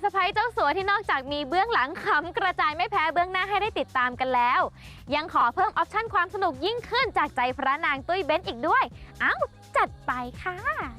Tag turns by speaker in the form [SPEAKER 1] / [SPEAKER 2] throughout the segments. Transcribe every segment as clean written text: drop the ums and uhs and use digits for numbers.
[SPEAKER 1] ะใภ้เจ้าสัวที่นอกจากมีเบื้องหลังขำกระจายไม่แพ้เบื้องหน้าให้ได้ติดตามกันแล้วยังขอเพิ่มออปชั่นความสนุกยิ่งขึ้นจากใจพระนางตุ้ยเบ้นอีกด้วยเอ้าจัดไปค่ะ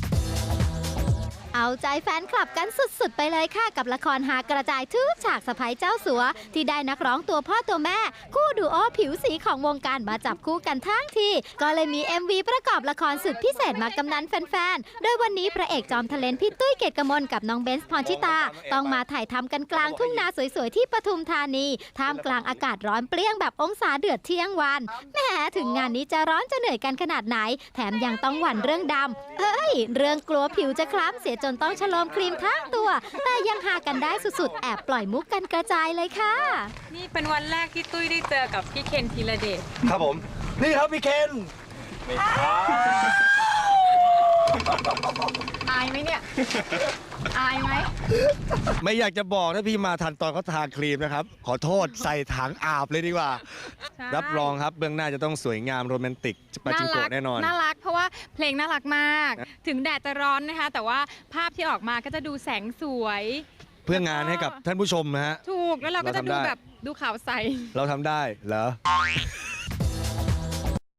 [SPEAKER 2] เอาใจแฟนคลับกันสุดๆไปเลยค่ะกับละครหากระจายทุกฉากสะใภ้เจ้าสัวที่ได้นักร้องตัวพ่อตัวแม่คู่ดูโอผิวสีของวงการมาจับคู่กันทั้งทีก็เลยมี MV ประกอบละครสุดพิเศษมากำนันแฟนๆโดยวันนี้พระเอกจอมทะเลนพี่ตุ้ยเกตกมลกับน้องเบนซ์พรชิตาต้องมาถ่ายทำกันกลางทุ่งนาสวยๆที่ปทุมธานีท่ามกลางอากาศร้อนเปรี้ยงแบบองศาเดือดเที่ยงวันแหมถึงงานนี้จะร้อนจะเหนื่อยกันขนาดไหนแถมยังต้องหวั่นเรื่องดำเรื่องกลัวผิวจะคล้ำเสียจนต้องฉโลมครีมทั้งตัวแต่ยังหากันได้สุดๆแอบปล่อยมุกกันกระจายเลยค่ะ
[SPEAKER 3] นี่เป็นวันแรกที่ตุ้ยได้เจอกับพี่เคนธีรเดช
[SPEAKER 4] ครับผมนี่ครับพี่เคน
[SPEAKER 3] อายไหมเนี่ยอายไหม
[SPEAKER 4] ไม่อยากจะบอกถ้าพี่มาทันตอนเขาทาครีมนะครับขอโทษใส่ถังอาบเลยดีกว่ารับรองครับเบื้องหน้าจะต้องสวยงามโรแมนติกปาจิงโกะแน่นอน
[SPEAKER 3] น่ารักเพราะว่าเพลงน่ารักมากถึงแดดจะร้อนนะคะแต่ว่าภาพที่ออกมาก็จะดูแสงสวย
[SPEAKER 4] เพื่องานให้กับท่านผู้ชมนะฮะ
[SPEAKER 3] ถูกแล้วเราก็จะดูแบบดูขาวใส
[SPEAKER 4] เราทำได้เหรอ